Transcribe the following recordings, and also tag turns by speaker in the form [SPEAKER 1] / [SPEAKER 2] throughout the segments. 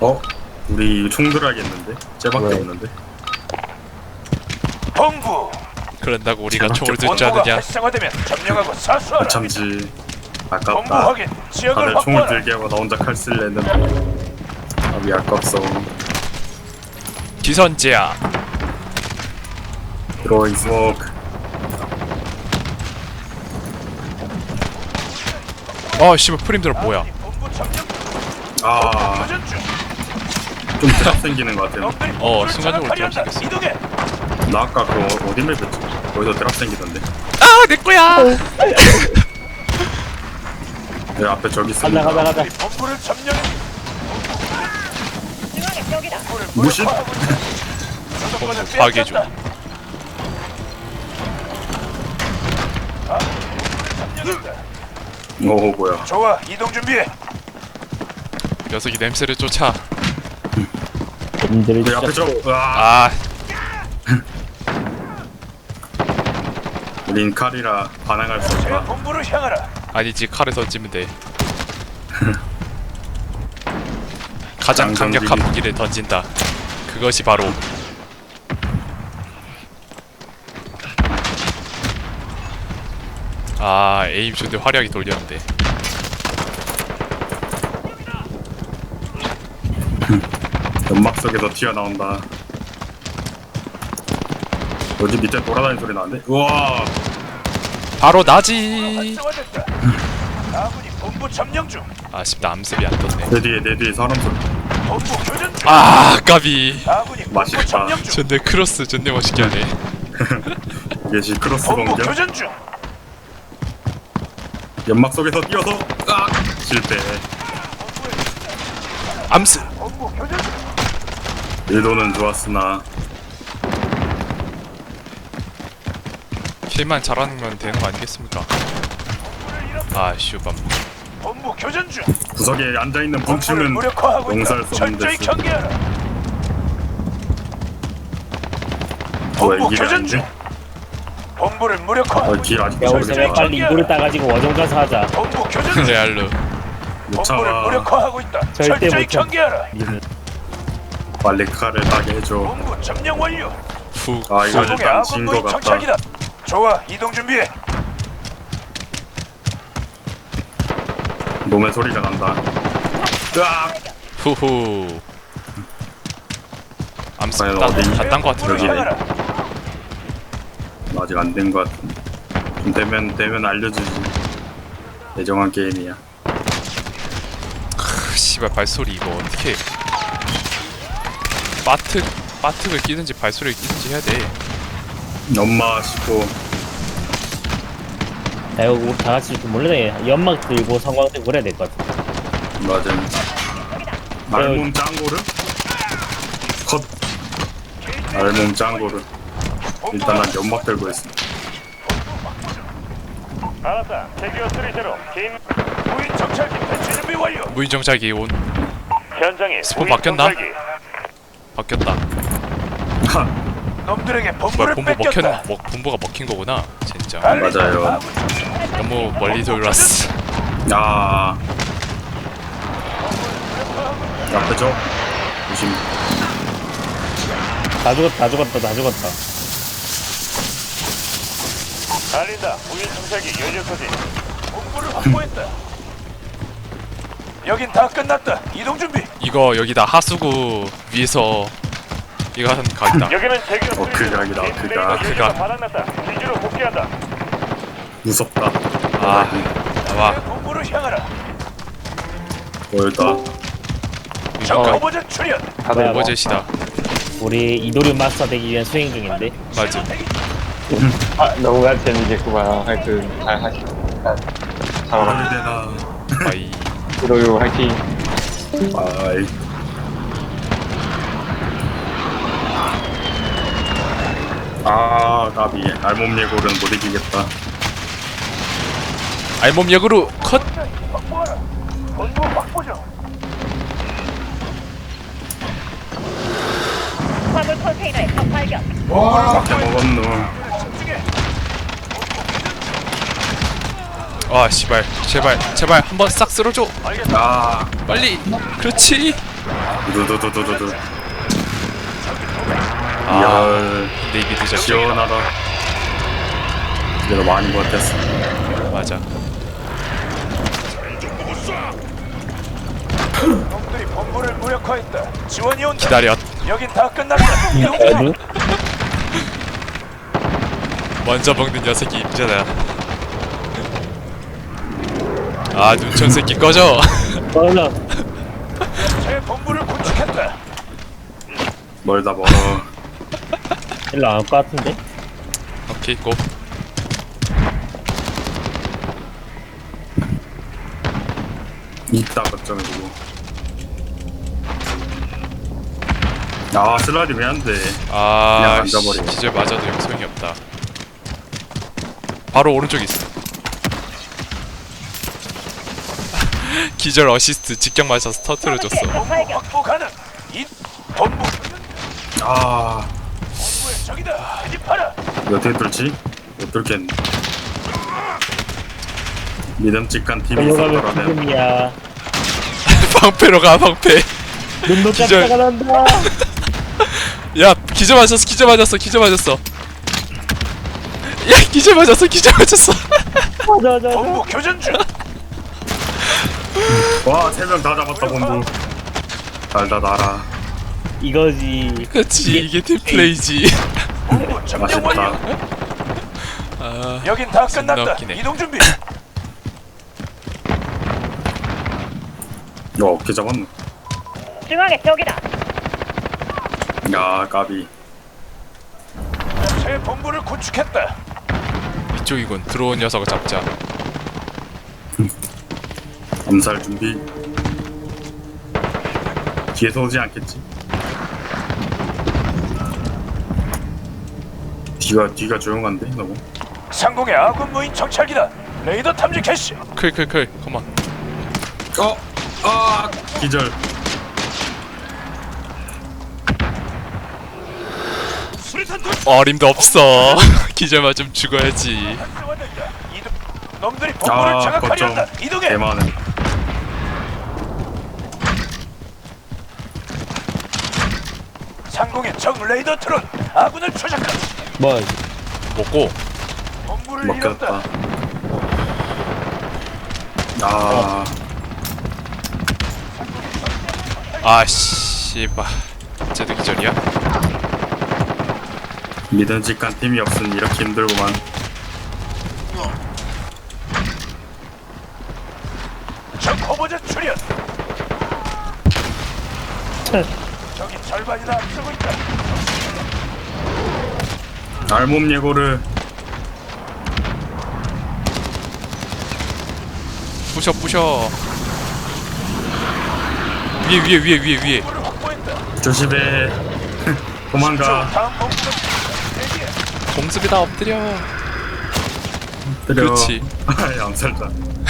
[SPEAKER 1] 어? 우리 총 들어야겠는데? 쟤밖에
[SPEAKER 2] 왜?
[SPEAKER 1] 없는데?
[SPEAKER 3] 본부
[SPEAKER 4] 그런다고 우리가
[SPEAKER 1] 제발
[SPEAKER 4] 총을
[SPEAKER 1] 좀
[SPEAKER 4] 들지
[SPEAKER 3] 본부가
[SPEAKER 4] 않느냐?
[SPEAKER 3] 활성화되면 점령하고 사수하라.
[SPEAKER 1] 참지
[SPEAKER 3] 본부
[SPEAKER 1] 아깝다.
[SPEAKER 3] 확인. 지역을
[SPEAKER 1] 다들 총을
[SPEAKER 3] 확보하라.
[SPEAKER 1] 들게 하고 나 혼자 칼 쓸래 했는데 아비 아깝소.
[SPEAKER 4] 기선제야.
[SPEAKER 1] 드로잉 스모크.
[SPEAKER 4] 아 씨발 프림들은 뭐야?
[SPEAKER 3] 본부 점령.
[SPEAKER 1] 아,
[SPEAKER 3] 교전 중.
[SPEAKER 1] 좀 드랍 생기는 것 같아.
[SPEAKER 3] 놈들이
[SPEAKER 4] 어,
[SPEAKER 3] 본부를
[SPEAKER 4] 순간적으로
[SPEAKER 3] 장악하려
[SPEAKER 4] 드랍
[SPEAKER 3] 한다. 이동해.
[SPEAKER 1] 나 아까 그거 어디 맵이었지? 거기서 드랍 생기던데.
[SPEAKER 4] 아 내 거야.
[SPEAKER 1] 내 앞에 저기
[SPEAKER 2] 가자
[SPEAKER 1] 있습니다.
[SPEAKER 2] 가자 가자.
[SPEAKER 3] 우리 본부를 점령해.
[SPEAKER 1] 무신?
[SPEAKER 4] 본부 파괴 중.
[SPEAKER 1] 오 뭐야?
[SPEAKER 3] 좋아, 이동 준비해.
[SPEAKER 4] 녀석이 냄새를 쫓아.
[SPEAKER 2] 님들이
[SPEAKER 1] 내 앞에 저. 으아.
[SPEAKER 4] 아
[SPEAKER 1] 우린 칼이라 반항할 수
[SPEAKER 3] 제
[SPEAKER 1] 없다.
[SPEAKER 3] 본부를 향하라.
[SPEAKER 4] 아니지 칼을 던지면 돼. 가장
[SPEAKER 1] 장전기기.
[SPEAKER 4] 강력한 무기를 던진다. 그것이 바로 아 에임 존대 화려하게 돌렸는데.
[SPEAKER 1] 연막 속에서 튀어나온다. 어디 밑에 돌아다니는 소리 나는데? 우와.
[SPEAKER 4] 바로 나지.
[SPEAKER 3] 활성화됐다. 아군이 본부 점령 중.
[SPEAKER 4] 아쉽다 암습이 안 떴네.
[SPEAKER 1] 내 뒤에 사람 소리.
[SPEAKER 3] 본부 교전 중.
[SPEAKER 4] 아 까비.
[SPEAKER 3] 아군이 본부
[SPEAKER 1] 맛있다.
[SPEAKER 3] 점령 중.
[SPEAKER 4] 존내 크로스 존내 멋있게 하네.
[SPEAKER 1] 이게 크로스
[SPEAKER 3] 본부
[SPEAKER 1] 공격.
[SPEAKER 3] 교전 중.
[SPEAKER 1] 연막 속에서 뛰어서 실패.
[SPEAKER 4] 암습.
[SPEAKER 3] 본부 교전 중.
[SPEAKER 1] 일도는 좋았으나
[SPEAKER 4] 킬만 잘하면 되는 거 아니겠습니까? 아 슈밤.
[SPEAKER 3] 본부 교전 중.
[SPEAKER 1] 구석에 앉아있는
[SPEAKER 3] 본부를
[SPEAKER 1] 분충은
[SPEAKER 3] 무력화하고
[SPEAKER 1] 용서할
[SPEAKER 3] 있다.
[SPEAKER 1] 수 없는
[SPEAKER 3] 철저히
[SPEAKER 1] 데스.
[SPEAKER 3] 경계하라.
[SPEAKER 1] 뭐야
[SPEAKER 3] 본부
[SPEAKER 1] 이게
[SPEAKER 3] 교전
[SPEAKER 1] 아닌데?
[SPEAKER 3] 중. 본부를 무력화하고
[SPEAKER 1] 길 아직도
[SPEAKER 2] 야 우리
[SPEAKER 1] 저기
[SPEAKER 2] 저녁
[SPEAKER 1] 있다.
[SPEAKER 2] 빨리 이불을 따가지고 워정 가서 하자.
[SPEAKER 3] 본부 교전 중.
[SPEAKER 4] 레알로.
[SPEAKER 1] 못
[SPEAKER 3] 본부를
[SPEAKER 1] 참아.
[SPEAKER 3] 무력화하고 있다.
[SPEAKER 2] 절대
[SPEAKER 3] 철저히
[SPEAKER 2] 못 참.
[SPEAKER 3] 경계하라.
[SPEAKER 2] 니들
[SPEAKER 1] 빨리 칼을 따게 해줘.
[SPEAKER 3] 본부 점령 완료.
[SPEAKER 4] 후.
[SPEAKER 1] 아 이거
[SPEAKER 3] 소동의
[SPEAKER 1] 일단
[SPEAKER 3] 아군
[SPEAKER 1] 진
[SPEAKER 3] 무인
[SPEAKER 1] 거 같다.
[SPEAKER 3] 정찰기다. 좋아, 이동 준비해.
[SPEAKER 1] 놈의 소리가 난다. 으악!
[SPEAKER 4] 후후. 암습
[SPEAKER 1] 과연 어디?
[SPEAKER 4] 다딴 거 같은데.
[SPEAKER 1] 여기네.
[SPEAKER 3] 향하라.
[SPEAKER 1] 아직 안 된 거 같은데. 좀 되면 알려주지. 예정한 게임이야.
[SPEAKER 4] 씨발 발소리 이거 어떻게 바트를 끼든지 발소리를 끼든지 해야 돼.
[SPEAKER 1] 엄마 싶고
[SPEAKER 2] 야 이거 우리 다 같이 좀 몰래 연막 들고 성광 들고 그래야 될 것 같아.
[SPEAKER 1] 맞음. 알몸 짱고르? 컷. 알몸 짱고르. 일단 난 연막 들고 있어.
[SPEAKER 3] 알았다. 대기어 3제로 긴 무인 정찰기 배치 준비 완료.
[SPEAKER 4] 무인정찰기 온.
[SPEAKER 3] 현장에
[SPEAKER 4] 스폰
[SPEAKER 3] 무인
[SPEAKER 4] 바뀌었나?
[SPEAKER 3] 정찰기.
[SPEAKER 4] 바뀌었다.
[SPEAKER 3] 놈들에게
[SPEAKER 4] 뭐야
[SPEAKER 3] 본부를
[SPEAKER 4] 본부
[SPEAKER 3] 뺏겼다.
[SPEAKER 4] 본부가 먹힌 거구나. 진짜.
[SPEAKER 1] 맞아요.
[SPEAKER 4] 너무 멀리 돌았어.
[SPEAKER 1] 야. 앞에 저 조심.
[SPEAKER 2] 다 죽었다 다 죽었다.
[SPEAKER 3] 달린다. 무인 정찰기 연료 소지. 본부를 확보했다. 여긴 다 끝났다. 이동 준비.
[SPEAKER 4] 이거 여기다 하수구 위에서 이거 하는 각이다.
[SPEAKER 3] 여기는 대기어
[SPEAKER 1] 그 각이다, 그 각.
[SPEAKER 4] 그 각.
[SPEAKER 3] 바닥났다. 기지로 복귀한다.
[SPEAKER 1] 무섭다.
[SPEAKER 4] 아 나와.
[SPEAKER 3] 본부를 향하라.
[SPEAKER 1] 보였다.
[SPEAKER 3] 적
[SPEAKER 4] 이거
[SPEAKER 3] 거버전 출현.
[SPEAKER 4] 오버젯이다.
[SPEAKER 2] 우리 이도류 마스터 되기 위한 수행 중인데.
[SPEAKER 4] 맞아.
[SPEAKER 5] 아, 너무나 재미있겠구만. 하여튼 잘 하시고 잘하라.
[SPEAKER 1] 되나.
[SPEAKER 4] 바이.
[SPEAKER 5] 이도요 화이팅.
[SPEAKER 1] 아이. 아, 나비. 알몸 예골은 못 이기겠다.
[SPEAKER 4] 알몸 역으로 컷.
[SPEAKER 3] 확보하라. 본부 확보죠.
[SPEAKER 6] 화물 컨테이너의 적 발견.
[SPEAKER 1] 앞에 먹었노.
[SPEAKER 4] 아 씨발 제발 한번 싹 쓸어줘.
[SPEAKER 1] 아,
[SPEAKER 4] 빨리. 그렇지.
[SPEAKER 1] 두두두두두두.
[SPEAKER 4] 아
[SPEAKER 1] 이야,
[SPEAKER 4] 네이비 드자.
[SPEAKER 1] 시원하다. 내가 많이 것 같았어.
[SPEAKER 4] 맞아.
[SPEAKER 3] 놈들이 본부를 무력화했다. 지원이 온다.
[SPEAKER 4] 기다려.
[SPEAKER 3] 여긴 다 끝났다. 이동 중.
[SPEAKER 2] 어느?
[SPEAKER 4] 먼저 먹는 녀석이 임자다. 아 눈천 새끼 꺼져.
[SPEAKER 2] 어느?
[SPEAKER 3] 새 본부를 구축했다.
[SPEAKER 1] 멀다 멀어.
[SPEAKER 2] 일로 안 올 것 같은데?
[SPEAKER 4] 오케이 고.
[SPEAKER 1] 있다 걱정해 두고. 아 슬라이드 왜 안 돼? 그냥
[SPEAKER 4] 아
[SPEAKER 1] 앉아버려.
[SPEAKER 4] 기절 맞아도 용성이 없다. 바로 오른쪽에 있어. 기절 어시스트 직격 맞아서 터트려줬어.
[SPEAKER 3] 본부 확보 가능. 이 본부
[SPEAKER 1] 아
[SPEAKER 3] 본부의 적이다. 진입하라.
[SPEAKER 1] 어떻게 뚫지? 못 뚫겠네. 믿음직한 팀이
[SPEAKER 2] 넘어가면
[SPEAKER 1] 있었더라면.
[SPEAKER 2] 지금이야.
[SPEAKER 4] 방패로 가 방패.
[SPEAKER 2] 눈도
[SPEAKER 4] 기절.
[SPEAKER 2] 깜짝아 난다.
[SPEAKER 4] 야 기절 맞았어 기절 맞았어 기절 맞았어. 야 기절 맞았어 기절 맞았어.
[SPEAKER 2] 맞아.
[SPEAKER 3] 본부 교전 중.
[SPEAKER 1] 와 3명 다 잡았다 본부. 달다 달아.
[SPEAKER 2] 이거지.
[SPEAKER 4] 그치 이게 팀플레이지.
[SPEAKER 3] 본부 점령 완료.
[SPEAKER 1] 맛있다.
[SPEAKER 4] 아
[SPEAKER 3] 여긴 다
[SPEAKER 4] 존나
[SPEAKER 3] 끝났다.
[SPEAKER 4] 웃기네.
[SPEAKER 3] 이동 준비.
[SPEAKER 1] 어깨 잡았네.
[SPEAKER 6] 중앙에 적이다.
[SPEAKER 1] 야 까비.
[SPEAKER 3] 새 본부를 구축했다.
[SPEAKER 4] 이쪽이군. 들어온 녀석을 잡자.
[SPEAKER 1] 암살 준비. 뒤에서 오지 않겠지? 뒤가 조용한데 너무.
[SPEAKER 3] 상공의 아군 무인 정찰기다. 레이더 탐지 캐시.
[SPEAKER 4] 클 컴온.
[SPEAKER 1] 아 기절.
[SPEAKER 3] 수리탄 돌.
[SPEAKER 4] 어림도 없어. 기절 맞으면 죽어야지.
[SPEAKER 3] 이동. 놈들이 본부를
[SPEAKER 1] 아
[SPEAKER 3] 장악하려
[SPEAKER 1] 거점
[SPEAKER 3] 한다. 이동해.
[SPEAKER 1] 대만은.
[SPEAKER 3] 상공의 적 레이더 트론. 아군을 추적한다.
[SPEAKER 2] 뭐
[SPEAKER 4] 먹고
[SPEAKER 3] 본부를
[SPEAKER 1] 먹혔다.
[SPEAKER 3] 잃었다.
[SPEAKER 1] 아
[SPEAKER 4] 아 씨발. 쟤도 기절이야?
[SPEAKER 1] 믿음직한 팀이 없으니 이렇게 힘들구만.
[SPEAKER 3] 적 허버제 출현. 적이 절반이나 앞서고 있다.
[SPEAKER 1] 알몸 예고를.
[SPEAKER 4] 부셔. 위에.
[SPEAKER 3] 본부를 확보했다.
[SPEAKER 1] 조심해. 도망가.
[SPEAKER 3] 다음 본부가 대기해.
[SPEAKER 4] 공습이다 엎드려.
[SPEAKER 1] 때려.
[SPEAKER 4] 그렇지.
[SPEAKER 1] 아 암살자.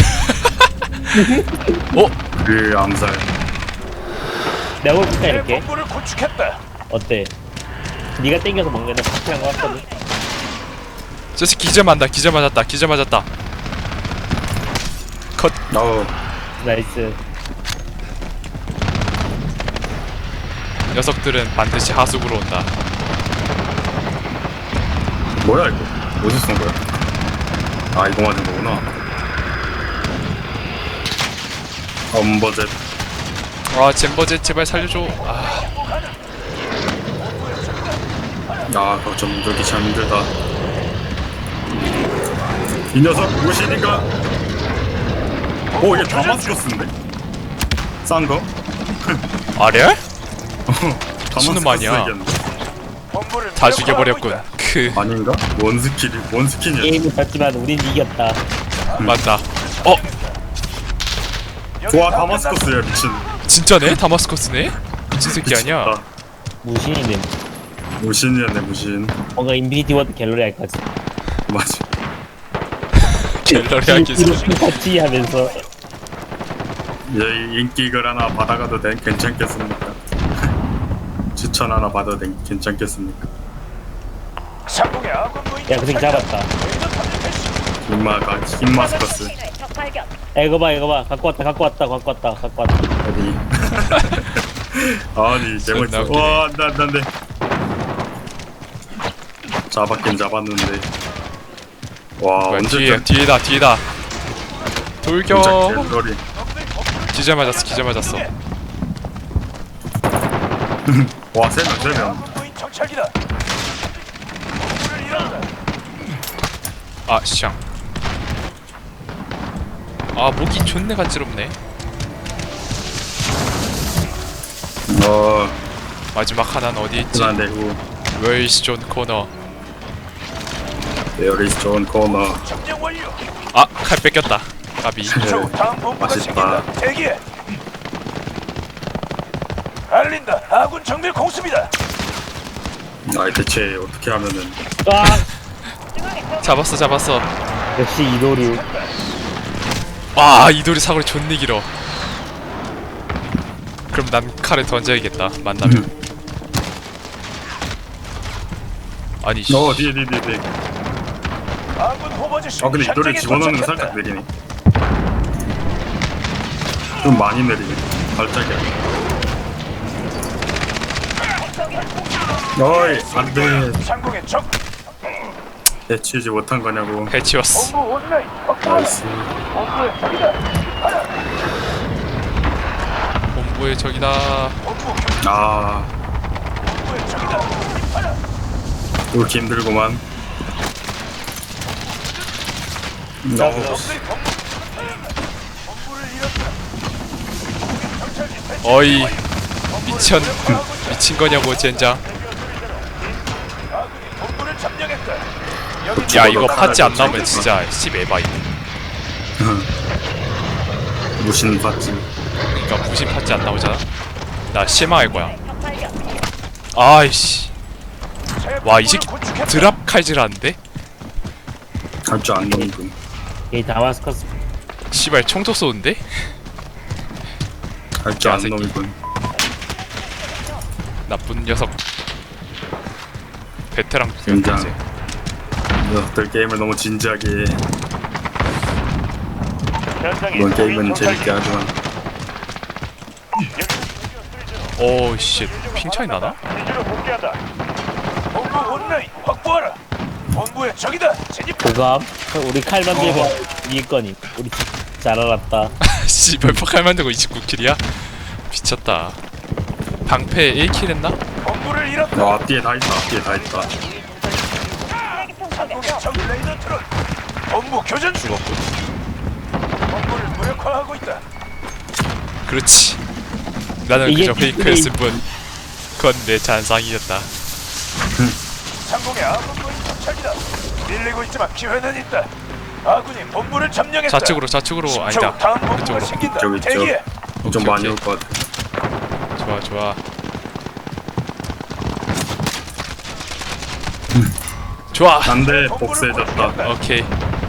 [SPEAKER 4] 어?
[SPEAKER 1] 그 암살.
[SPEAKER 2] 내가 볼까
[SPEAKER 3] 새
[SPEAKER 2] 이렇게?
[SPEAKER 3] 본부를 구축했다.
[SPEAKER 2] 어때? 네가 땡겨서 먹는 건 확실한 거 같거든.
[SPEAKER 4] 저 새끼 기절 맞았다. 컷.
[SPEAKER 1] 어우
[SPEAKER 2] 나이스.
[SPEAKER 4] 녀석들은 반드시 하수구로 온다.
[SPEAKER 1] 뭐야 이거? 어디서 쏜 거야? 아 이거 맞은 거구나. 엄버젯.
[SPEAKER 4] 아 젠버제 제발 살려줘. 아
[SPEAKER 1] 거점 들기 참 힘들다. 이 녀석 무엇이니까? 오 이게 다마스커스인데? 싼 거?
[SPEAKER 4] 아래?
[SPEAKER 1] 다마스커스
[SPEAKER 4] 무슨 말이야?
[SPEAKER 1] 얘기였는데.
[SPEAKER 3] 본부를
[SPEAKER 4] 다
[SPEAKER 3] 무력화하고
[SPEAKER 4] 죽여버렸군.
[SPEAKER 3] 있다.
[SPEAKER 4] 크
[SPEAKER 1] 아닌가? 원스킨이었지.
[SPEAKER 2] 게임은 졌지만 우린 이겼다.
[SPEAKER 4] 맞다.
[SPEAKER 3] 여기
[SPEAKER 1] 와
[SPEAKER 3] 다
[SPEAKER 1] 다마스커스야 미친.
[SPEAKER 4] 진짜네? 다마스커스네? 미친 새끼 아니야?
[SPEAKER 1] 미쳤다.
[SPEAKER 2] 무신이네.
[SPEAKER 1] 무신이었네 무신.
[SPEAKER 2] 뭔가 인피니티 워드 갤러리 할 거지.
[SPEAKER 1] 맞아.
[SPEAKER 4] 갤러리 하기서
[SPEAKER 2] 이렇게 같이 하면서
[SPEAKER 1] 이 인기글 하나 받아가도 괜찮겠습니까? 추천 하나 받아도 괜찮겠습니까?
[SPEAKER 3] 상공의 아군 무인
[SPEAKER 2] 야, 그 새끼 잡았다.
[SPEAKER 3] 레이더 탐지 캐시.
[SPEAKER 1] 흰마스커스
[SPEAKER 6] 적 발견.
[SPEAKER 2] 야, 이거 봐 갖고 왔다
[SPEAKER 1] 어디? 아니 제발
[SPEAKER 4] 존나 웃기네.
[SPEAKER 1] 와 안돼 잡았긴 잡았는데 와
[SPEAKER 4] 뭐야,
[SPEAKER 1] 언제쯤
[SPEAKER 4] 뒤에다 돌격.
[SPEAKER 1] 진짜 개소리
[SPEAKER 4] 기절 맞았어
[SPEAKER 1] 와 3명
[SPEAKER 3] 무인 정찰기다. 본부를 잃었다.
[SPEAKER 4] 아 샹. 아 목이 존내 간지럽네. 마지막 하나는 어디 있지?
[SPEAKER 1] 그난 내고
[SPEAKER 4] 웨이스 존 코너.
[SPEAKER 1] There is John Connor
[SPEAKER 3] 점령 완료.
[SPEAKER 4] 아 칼 뺏겼다. 까비.
[SPEAKER 3] 저 다음 본부가
[SPEAKER 1] 맛있다.
[SPEAKER 3] 생긴다. 대기해. 알린다. 아군 정밀 공습이다.
[SPEAKER 1] 아이 대체 어떻게 하면은
[SPEAKER 2] 아
[SPEAKER 4] 잡았어.
[SPEAKER 2] 역시 이도류.
[SPEAKER 4] 아 이돌이 사거리 존내 길어. 그럼 난 칼을 던져야겠다. 만나면. 아니 씨.
[SPEAKER 1] 뒤에
[SPEAKER 3] 아군 호버즈시.
[SPEAKER 1] 근데 이 돌을 집어넣는 건 살짝 느리네 좀 많이 느리네 발작이야 어이 안돼
[SPEAKER 3] 상공의 적.
[SPEAKER 1] 해치우지 못한 거냐고
[SPEAKER 4] 해치웠어.
[SPEAKER 3] 본부 온라인.
[SPEAKER 1] 나이스
[SPEAKER 3] 본부의 적이다.
[SPEAKER 4] 본부의 적이다.
[SPEAKER 3] 본부
[SPEAKER 1] 아
[SPEAKER 3] 본부의 적이다.
[SPEAKER 1] 이렇게 힘들구만
[SPEAKER 3] 놈들이 본부를 잃었다. 정찰기 배치.
[SPEAKER 4] 어이 미친 거냐고 젠장.
[SPEAKER 3] 아군이 본부를 점령했다. 여기
[SPEAKER 4] 야 이거 파츠 안 나오면 진짜 씨메바이.
[SPEAKER 1] 무신 받지
[SPEAKER 4] 그러니까 무신 파츠 안 나오잖아. 나 실망할 거야. 아이씨. 와 이 새끼 드랍 칼질하는데?
[SPEAKER 1] 할 줄 안는군
[SPEAKER 2] 이 다마스커스.
[SPEAKER 4] 씨발 총도 쏘는데?
[SPEAKER 1] 할 줄
[SPEAKER 4] 야,
[SPEAKER 1] 안
[SPEAKER 4] 새끼.
[SPEAKER 1] 놈이군
[SPEAKER 4] 나쁜 녀석. 베테랑
[SPEAKER 1] 진짜.
[SPEAKER 4] 이제.
[SPEAKER 1] 녀석들 게임을 너무 진지하게 해.
[SPEAKER 3] 현장에
[SPEAKER 1] 이번 게임은
[SPEAKER 3] 무인
[SPEAKER 1] 재밌게
[SPEAKER 3] 정찰기.
[SPEAKER 1] 하지만
[SPEAKER 4] 오 씨. 핑 차이 나나?
[SPEAKER 3] 기지로 복귀한다. 본부 온라인 확보하라. 본부의 적이다. 진입.
[SPEAKER 2] 고감. 우리 칼만 들고 이길 거니. 우리 잘 알았다.
[SPEAKER 4] 씨발 폭칼 만들고 29킬이야? 미쳤다. 방패 1킬 했나?
[SPEAKER 3] 본부를 잃었다.
[SPEAKER 1] 와 뒤에 다 있다
[SPEAKER 3] 상공의 적 레이더 트론. 본부 교전 중.
[SPEAKER 4] 죽었군.
[SPEAKER 3] 본부를 무력화하고 있다.
[SPEAKER 4] 그렇지. 나는
[SPEAKER 2] 이게
[SPEAKER 4] 그저 페이크였을 뿐. 그건 내 잔상이었다.
[SPEAKER 3] 상공의 아군 무인 정찰기다. 밀리고 있지만 기회는 있다. 아군이 본부를 점령했다.
[SPEAKER 4] 좌측으로 아니다.
[SPEAKER 3] 다음 본부가
[SPEAKER 4] 그쪽으로.
[SPEAKER 3] 생긴다.
[SPEAKER 1] 저기 있죠.
[SPEAKER 3] 대기해.
[SPEAKER 1] 좀
[SPEAKER 4] 오케이,
[SPEAKER 1] 많이
[SPEAKER 4] 오케이.
[SPEAKER 1] 올 것 같아
[SPEAKER 4] 좋아. 좋아.
[SPEAKER 1] 안돼 복수해졌다
[SPEAKER 4] 오케이.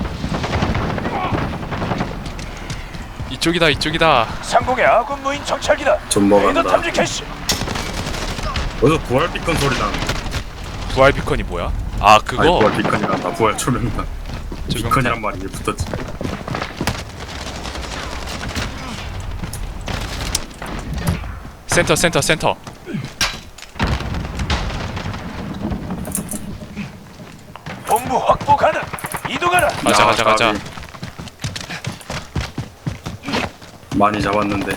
[SPEAKER 4] 이쪽이다.
[SPEAKER 3] 상공의 아군 무인 정찰기다.
[SPEAKER 1] 좀
[SPEAKER 3] 레이더
[SPEAKER 1] 먹었다
[SPEAKER 3] 탐지 캐시.
[SPEAKER 1] 어디서 부활 비컨 소리 나는데
[SPEAKER 4] 부활 비컨이 뭐야? 아
[SPEAKER 1] 아니
[SPEAKER 4] 그거
[SPEAKER 1] 부활 비컨이란다 부활 초명단
[SPEAKER 4] 조명탄.
[SPEAKER 1] 비컨이란 말이 왜 붙었지
[SPEAKER 4] 센터.
[SPEAKER 3] 본부 확보 가능. 이동하라.
[SPEAKER 4] 가자.
[SPEAKER 1] 까비. 많이 잡았는데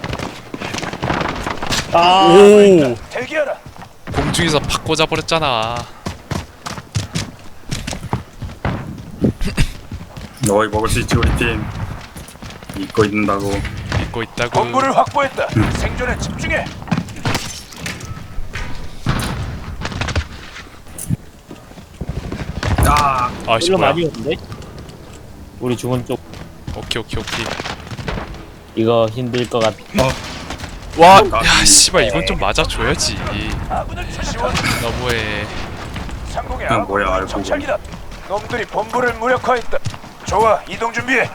[SPEAKER 4] 오.
[SPEAKER 3] 대기하라.
[SPEAKER 4] 공중에서 팍 꽂아버렸잖아.
[SPEAKER 1] 너희 먹을 수 있지 우리 팀 믿고 있는다고
[SPEAKER 4] 믿고 있다고.
[SPEAKER 3] 본부를 확보했다. 생존에 집중해.
[SPEAKER 4] 아씨
[SPEAKER 2] 일로
[SPEAKER 4] 뭐야.
[SPEAKER 2] 많이 오는데? 우리 중원 쪽
[SPEAKER 4] 오케이.
[SPEAKER 2] 이거 힘들 것 같아.
[SPEAKER 4] 와,
[SPEAKER 1] 까비.
[SPEAKER 4] 야 씨발 이건 좀 맞아줘야지.
[SPEAKER 3] 아군을 지원.
[SPEAKER 4] 너무해.
[SPEAKER 3] 상공의
[SPEAKER 1] 그냥
[SPEAKER 3] 아군
[SPEAKER 1] 뭐야,
[SPEAKER 3] 무인
[SPEAKER 1] 알고
[SPEAKER 3] 정찰기다. 놈들이 본부를 무력화했다. 좋아, 이동 준비해.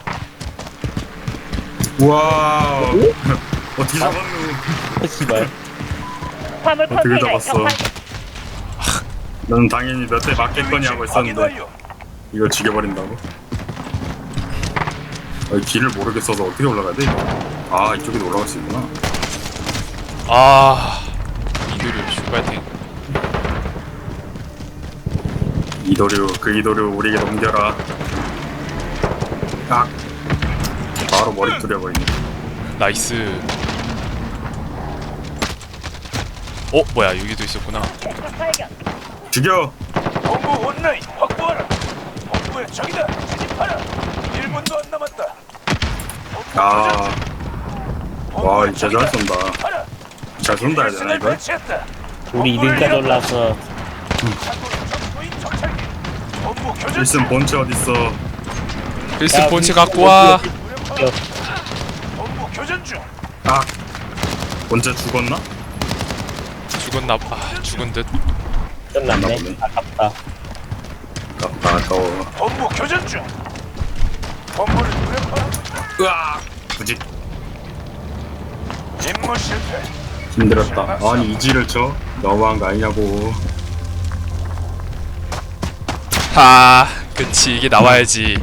[SPEAKER 1] 우와 어떻게 잡았노
[SPEAKER 2] 씨발.
[SPEAKER 6] 화물
[SPEAKER 1] 어떻게
[SPEAKER 6] 컨테이너에
[SPEAKER 1] 잡았어
[SPEAKER 6] 적발.
[SPEAKER 1] 넌 당연히 몇 대 맞겠거니 하고
[SPEAKER 3] 확인
[SPEAKER 1] 있었는데
[SPEAKER 3] 완료.
[SPEAKER 1] 이걸 죽여버린다고? 길을 모르겠어서 어떻게 올라가야 돼 이거? 아 이쪽에도 올라갈 수 있구나
[SPEAKER 4] 아 이도류 슈발탱.
[SPEAKER 1] 이도류 그 이도류 우리에게 넘겨라. 아 바로 머리 뚫려버리네.
[SPEAKER 4] 나이스. 어 뭐야 여기도 있었구나.
[SPEAKER 6] 적 발견.
[SPEAKER 1] 죽여.
[SPEAKER 3] 본부 온라인 확보하라. 본부의 적이다. 진입하라. 1분도 안 남았다. 본부
[SPEAKER 1] 아,
[SPEAKER 3] 교전.
[SPEAKER 1] 와 진짜 잘 쏜다.
[SPEAKER 3] 하라.
[SPEAKER 1] 잘 쏜다 해야 되나
[SPEAKER 3] 일선을
[SPEAKER 1] 이걸?
[SPEAKER 3] 배치했다.
[SPEAKER 2] 우리
[SPEAKER 3] 본부를
[SPEAKER 2] 2등까지
[SPEAKER 3] 이뤘다.
[SPEAKER 2] 올라서
[SPEAKER 3] 상공의 적무인 정찰기. 본부 교전.
[SPEAKER 1] 일슨 본체 어딨어?
[SPEAKER 4] 필스 본체 갖고 와.
[SPEAKER 3] 본부 교전 중.
[SPEAKER 1] 아 본체 죽었나?
[SPEAKER 4] 죽었나? 아 죽은 듯.
[SPEAKER 2] 끝났네.
[SPEAKER 1] 보네.
[SPEAKER 2] 아깝다.
[SPEAKER 1] 아깝다 아까워.
[SPEAKER 3] 본부 교전 중. 본부를 무력화하고 있다.
[SPEAKER 1] 으아 부직
[SPEAKER 3] 임무 실패.
[SPEAKER 1] 힘들었다. 아니 이지를 쳐? 너무한 거 아니냐고.
[SPEAKER 4] 하 그치 이게 나와야지.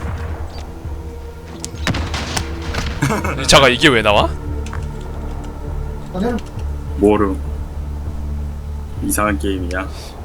[SPEAKER 4] 잠깐 이게 왜 나와?
[SPEAKER 1] 모름. 이상한 게임이야.